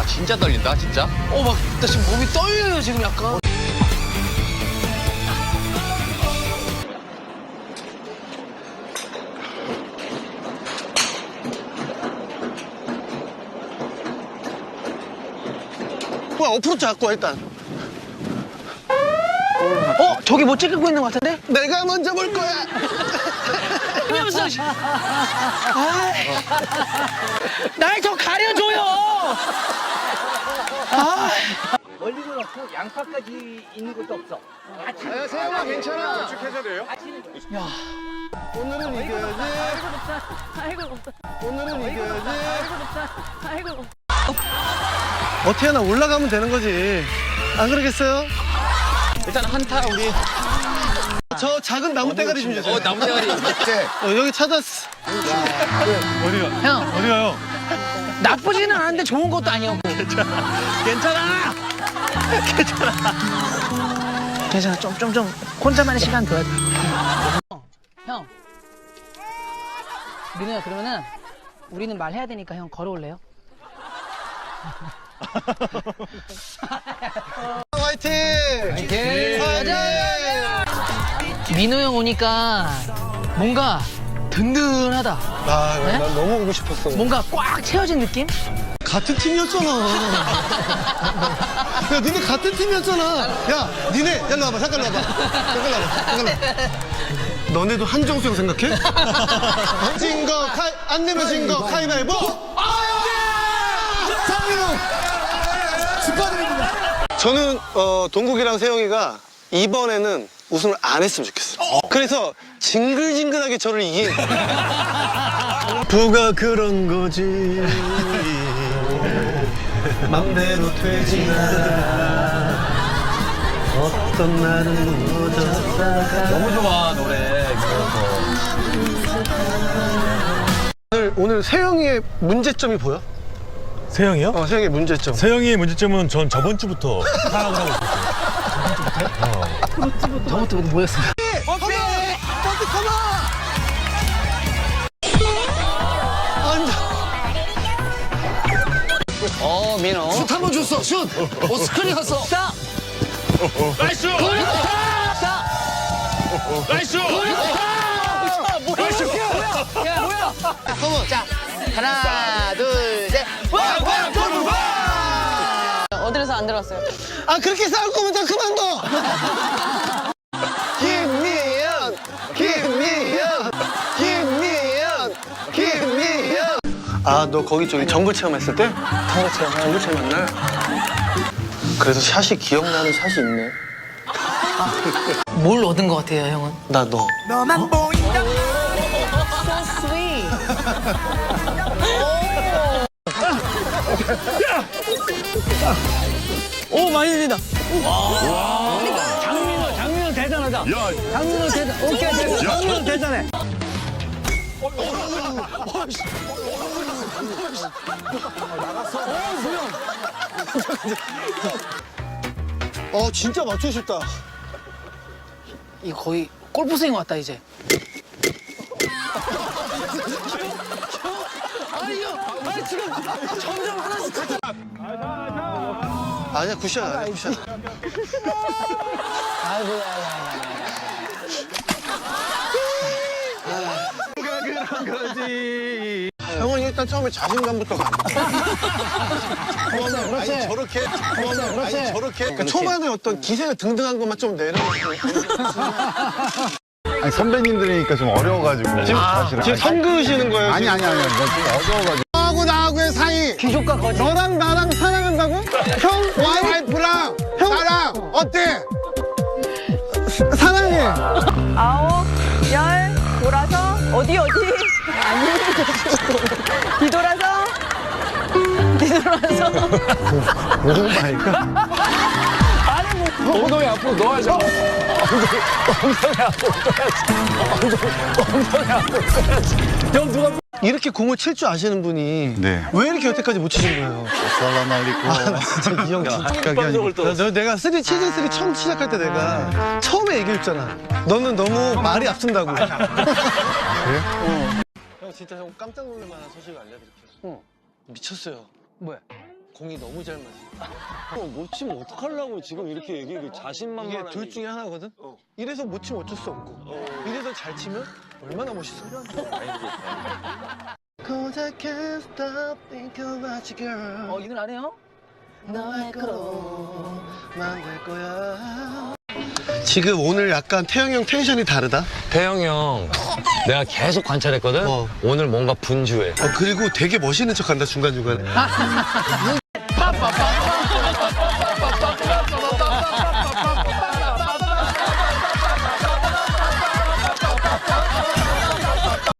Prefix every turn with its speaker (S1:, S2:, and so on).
S1: 진짜 떨린다, 진짜.
S2: 나 지금 몸이 떨려요, 지금 약간.
S3: 뭐야, 어프로치 갖고 와, 일단.
S2: 저기 뭐 찍고 있는 것 같은데?
S3: 내가 먼저 볼 거야.
S2: 이없어 날 좀 가려줘요!
S4: 멀리는 없고 양파까지 있는 것도 없어.
S3: 세영아, 괜찮아.
S1: 해줘야 돼요?
S3: 오늘은 이겨야지.
S5: 아이고 없다.
S3: 오늘은 이겨야지.
S5: 아이고 없다.
S3: 어떻게 하나 올라가면 되는 거지. 안 그러겠어요?
S1: 일단 한타 우리.
S3: 저 작은 나무 대가리 좀 주세요.
S1: 나무 대가리.
S3: 여기 찾았어.
S2: 형,
S3: 어디 가요?
S2: 나쁘지는 않은데 좋은 것도 아니었고.
S3: 괜찮아.
S2: 괜찮아, 좀 혼자만의 시간 둬야 돼. 형, 민호야, 그러면은 우리는 말해야 되니까 형 걸어올래요?
S3: 화이팅!
S2: 민호 형 오니까 뭔가 든든하다.
S3: 아,
S2: 네?
S3: 난 너무 오고 싶었어.
S2: 뭔가 꽉 채워진 느낌?
S3: 같은 팀이었잖아. 야, 니네 같은 팀이었잖아. 야, 니네, 일로 와봐. 잠깐 와봐. 잠깐 와봐. 너네도 한정수 형 생각해? 진 거, 안 내면 진 거, 가위바위보! 상민호! 축하드립니다. 저는, 동국이랑 세영이가 이번에는 우승을 안 했으면 좋겠어. 그래서 징글징글하게 저를 이긴. 부가 그런 거지. 맘대로 되지 않아. 어떤 날은 묻었다가.
S1: 너무 좋아, 노래.
S3: 오늘 세영이의 문제점이 보여?
S6: 세영이요?
S3: 세영이의 문제점.
S6: 세영이의 문제점은 전 저번 주부터 파악을 하고 있었어요.
S2: 저것도 뭐였어?
S3: 컴온! 컴온! 앉아.
S1: 민호.
S3: 슛 한 번 줬어, 슛! 스크린 갔어.
S2: 스탑!
S6: 나이스!
S2: 스탑!
S6: 나이스!
S2: 야, 뭐야?
S3: 컴온.
S2: 자, 하나, 둘, 셋.
S5: 어디서 안 들었어요?
S3: 아, 그렇게 싸울 거면 다 그만둬! 김미연! 김미연! 김미연! 김미연! 아, 너 거기 저기 정글 체험했을 때? 정글 체험한 날? 그래서 샷이 기억나는 샷이 있네.
S2: 뭘 얻은 것 같아요, 형은?
S3: 나 너.
S5: So sweet.
S2: 오, 많이 들린다.
S6: 장민호 대단하다.
S2: 장민호 대단. 오케이, 대단.
S6: 장민호 대단해.
S3: 진짜 맞추고 싶다.
S2: 이 거의 골프 스윙 왔다, 이제.
S3: 아니야, 굿샷 아니야, 굿샷. 형은 일단 처음에 자신감부터 가. 그렇지. 아니, 저렇게. 그렇지. 아니, 저렇게. 그러니까 초반에 어떤 기세가 등등한 것만 좀 내려놓고.
S7: 아니 선배님들이니까 좀 어려워가지고 사실은.
S3: 지금 선 그으시는 거예요?
S7: 아니 좀 어려워가지고.
S3: 너하고 나하고의 사이.
S2: 귀족과 거지.
S3: 너랑 나랑 사랑한다고? 형, 와이프랑 나랑 어때? 사랑해.
S5: 9, 10 돌아서 어디 아니 뒤돌아서
S7: 무슨 말일까?
S1: 엉덩이 앞으로 넣어야죠.
S3: 이렇게 공을 칠 줄 아시는 분이
S7: 네.
S3: 왜 이렇게 여태까지 못 치신 거예요?
S7: 살라말리고.
S3: 진짜 이 형 진짜
S7: 아니고.
S3: 내가 시즌 3 처음 시작할 때 내가 처음에 얘기했잖아. 너는 너무 말이 앞선다고. 그래? 형 진짜 형 깜짝 놀랄 만한 소식을 알려드릴게요. 미쳤어요.
S2: 뭐야?
S3: 공이 너무 잘 맞아.
S8: 못 치면 어떡하려고 지금 이렇게 얘기해. 자신만만한.
S3: 이게 둘 중에 하나거든? 이래서 못 치면 어쩔 수 없고 이래서 잘 치면 얼마나 멋있어. Cause I can't stop thinking about you, girl.
S2: 이 노래 안 해요?
S3: 너의 거로 만들 거야. 지금 오늘 약간 태영이 형 텐션이 다르다.
S8: 태영이 형, 내가 계속 관찰했거든? 오늘 뭔가 분주해.
S3: 그리고 되게 멋있는 척 한다, 중간중간에.